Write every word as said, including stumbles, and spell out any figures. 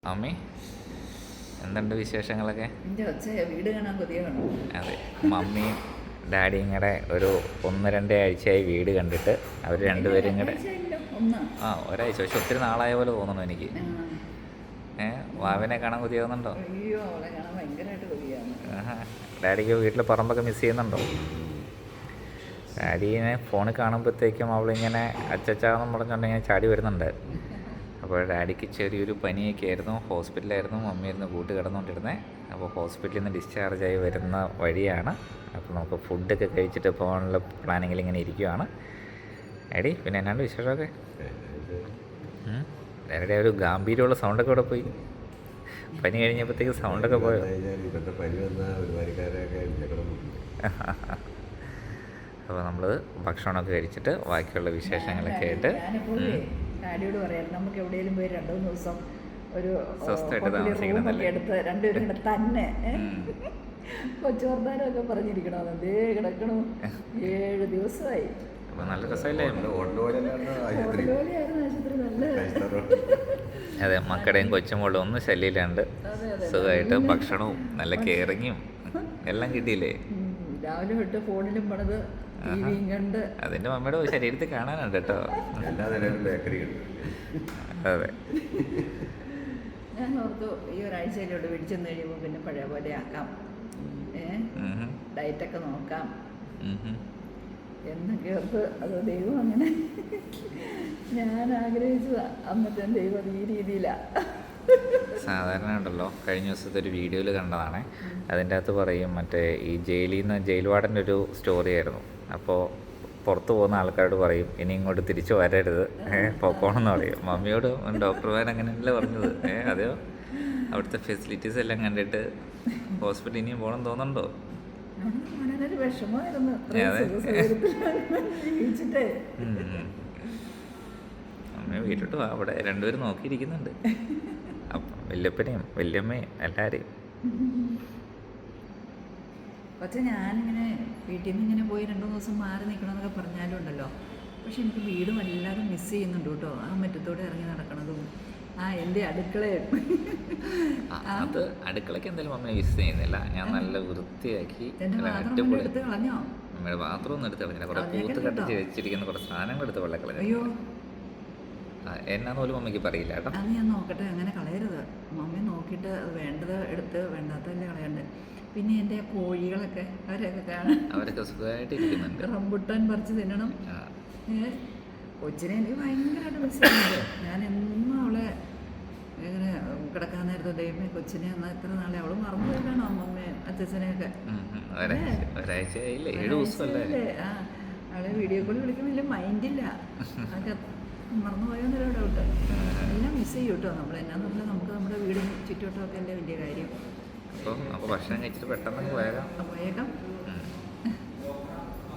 അമ്മി എന്തുണ്ട് വിശേഷങ്ങളൊക്കെ? വീട് കാണാൻ കൊതിയാണ്. അതെ, മമ്മിയും ഡാഡിയും കൂടെ ഒരു ഒന്ന് രണ്ട് ആഴ്ചയായി വീട് കണ്ടിട്ട്. അവർ രണ്ടുപേരും കൂടെ ആ ഒരാഴ്ച, പക്ഷെ ഒത്തിരി നാളായ പോലെ തോന്നുന്നു എനിക്ക്. ഏഹ് വാവിനെ കാണാൻ കൊതിയാവുന്നുണ്ടോ? അയ്യോ, അവളെ കാണാൻ ഭയങ്കരമായിട്ട് കൊതിയാണ്. ഡാഡിക്ക് വീട്ടിൽ പറമ്പൊക്കെ മിസ് ചെയ്യുന്നുണ്ടോ? ഡാഡിനെ ഫോണിൽ കാണുമ്പോഴത്തേക്കും അവളിങ്ങനെ അച്ചച്ചാന്ന് പറഞ്ഞുകൊണ്ടിങ്ങനെ ചാടി വരുന്നുണ്ട്. അപ്പോൾ ഡാഡിക്ക് ചെറിയൊരു പനിയൊക്കെ ആയിരുന്നു, ഹോസ്പിറ്റലായിരുന്നു, മമ്മിയായിരുന്നു കൂട്ട് കിടന്നുകൊണ്ടിരുന്നത്. അപ്പോൾ ഹോസ്പിറ്റലിൽ നിന്ന് ഡിസ്ചാർജായി വരുന്ന വഴിയാണ്. അപ്പോൾ നമുക്ക് ഫുഡൊക്കെ കഴിച്ചിട്ട് പോകാനുള്ള പ്ലാനിങ്ങിൽ ഇങ്ങനെ ഇരിക്കുകയാണ്. ഡാഡി പിന്നെ എന്നാണ്ട് വിശേഷമൊക്കെ? ഡാഡിയുടെ ഒരു ഗാംഭീര്യമുള്ള സൗണ്ടൊക്കെ ഇവിടെ പോയി. പനി കഴിഞ്ഞപ്പോഴത്തേക്ക് സൗണ്ടൊക്കെ പോയോ? അപ്പോൾ നമ്മൾ ഭക്ഷണമൊക്കെ കഴിച്ചിട്ട് ബാക്കിയുള്ള വിശേഷങ്ങളൊക്കെ ആയിട്ട് ഡാഡിയോട് പറയാം, നമുക്ക് എവിടെയെങ്കിലും പോയി രണ്ടു മൂന്ന് ദിവസം ഒരു സ്വസ്ഥമായിട്ട് എടുത്ത് രണ്ടുപേരും കൂടെ തന്നെ കൊച്ചുവർത്താനൊക്കെ പറഞ്ഞിരിക്കണോ? അതേ കിടക്കണു. ഏഴ് ദിവസമായി. നല്ല രസമല്ലേ? ആശുപത്രി നല്ല. അതെ, മക്കളുടെയും കൊച്ചുമോളും ഒന്നും ശല്യമില്ലാണ്ട് സുഖമായിട്ട് ഭക്ഷണവും നല്ല കെയറിങ്ങും എല്ലാം കിട്ടിയില്ലേ? രാവിലെ തൊട്ട് ഫോണിലും പണിത് ടിവിയും കണ്ട്. അതിന്റെ മമ്മിയുടെ ശരീരത്തിൽ കാണാനുണ്ട് കേട്ടോ. അതെ, ഞാൻ ഓർത്തു ഈ ഒരാഴ്ചയിലോട്ട് പിടിച്ചെന്ന് കഴിയുമ്പോൾ പിന്നെ പഴയ പോലെ ആക്കാം, ഏഹ് ഡയറ്റൊക്കെ നോക്കാം എന്നൊക്കെ ഓർത്ത്. അത് ദൈവം അങ്ങനെ ഞാൻ ആഗ്രഹിച്ചതാ, അന്നത്തെ ദൈവം അത് ഈ രീതിയിലാണ്. സാധാരണ ഉണ്ടല്ലോ, കഴിഞ്ഞ ദിവസത്തെ ഒരു വീഡിയോയിൽ കണ്ടതാണ്. അതിൻ്റെ അകത്ത് പറയും, മറ്റേ ഈ ജയിലിൽ നിന്ന് ജയിൽ വാർഡൻ്റെ ഒരു സ്റ്റോറി ആയിരുന്നു. അപ്പോൾ പുറത്ത് പോകുന്ന ആൾക്കാരോട് പറയും, ഇനി ഇങ്ങോട്ട് തിരിച്ചു വരരുത്, ഏഹ് പൊക്കോണമെന്ന് പറയും. മമ്മിയോട് ഡോക്ടർമാർ അങ്ങനെയല്ലേ പറഞ്ഞത്. ഏഹ് അതെയോ? അവിടുത്തെ ഫെസിലിറ്റീസ് എല്ലാം കണ്ടിട്ട് ഹോസ്പിറ്റലിൽ ഇനിയും പോകണം തോന്നുന്നുണ്ടോ? അമ്മ വീട്ടിലോട്ട് വാ, അവിടെ രണ്ടുപേരും നോക്കിയിരിക്കുന്നുണ്ട്. അപ്പം വല്യപ്പനെയും വല്യമ്മയും എല്ലാവരെയും. പക്ഷെ ഞാനിങ്ങനെ വീട്ടിൽ നിന്ന് ഇങ്ങനെ പോയി രണ്ടു മൂന്ന് ദിവസം മാറി നിൽക്കണമെന്നൊക്കെ പറഞ്ഞാലും ഉണ്ടല്ലോ, പക്ഷെ എനിക്ക് വീട് വല്ലാതെ മിസ് ചെയ്യുന്നുണ്ട് കേട്ടോ. ആ മുറ്റത്തോടെ ഇറങ്ങി നടക്കണതും ആ എൻ്റെ അടുക്കളയും. അത് അടുക്കളയ്ക്ക് എന്തായാലും മമ്മി മിസ് ചെയ്യുന്നില്ല. ഞാൻ നല്ല വൃത്തിയാക്കി എടുത്ത് കളഞ്ഞോ? അമ്മയുടെ ബാത്റൂം ഒന്നും എടുത്ത് കളഞ്ഞില്ല. കുറെ പൂത്ത് കട്ടിച്ച് വെച്ചിരിക്കുന്ന കുറേ സാധനങ്ങൾ എടുത്ത് വെള്ളം കളഞ്ഞു. അയ്യോ, എന്നാന്ന് പോലും മമ്മിക്ക് പറയില്ല കേട്ടോ. അത് ഞാൻ നോക്കട്ടെ, അങ്ങനെ കളയരുത്. മമ്മി നോക്കിയിട്ട് വേണ്ടത് എടുത്ത് വേണ്ടാത്തല്ലേ കളയണ്ടേ. പിന്നെ എൻ്റെ കോഴികളൊക്കെ അവരൊക്കെ കാണാൻ അവരൊക്കെ സുഖമായിട്ട് ഇരിക്കുന്നുണ്ട്. റംബുട്ടാൻ പറിച്ച് തിന്നണം. ഏഹ് കൊച്ചിനെ എനിക്ക് ഭയങ്കരമായിട്ട് മിസ് ചെയ്യുന്നുണ്ട്. ഞാൻ എന്നും അവളെ ഇങ്ങനെ കിടക്കാൻ നേരത്തെ ദൈവമേ കൊച്ചിനെ എന്നാൽ എത്ര നാളെ അവള് മറന്നു പോയിട്ടാണോ അമ്മമ്മയും അച്ഛനെയൊക്കെ? ഒരാഴ്ചയല്ലേ? ആ, അവളെ വീഡിയോ കോൾ വിളിക്കുമ്പോൾ മൈൻഡില്ല. അതൊക്കെ മറന്നു പോയോന്നൊരു ഡൗട്ട്. എല്ലാം മിസ് ചെയ്യും കേട്ടോ. നമ്മൾ എന്നാന്ന് പറഞ്ഞാൽ നമുക്ക് നമ്മുടെ വീടും ചുറ്റുവട്ടമൊക്കെ അല്ലേ വലിയ കാര്യം. അപ്പോൾ ഭക്ഷണം കഴിച്ചിട്ട് പെട്ടെന്ന് പോയേക്കാം പോയേക്കാം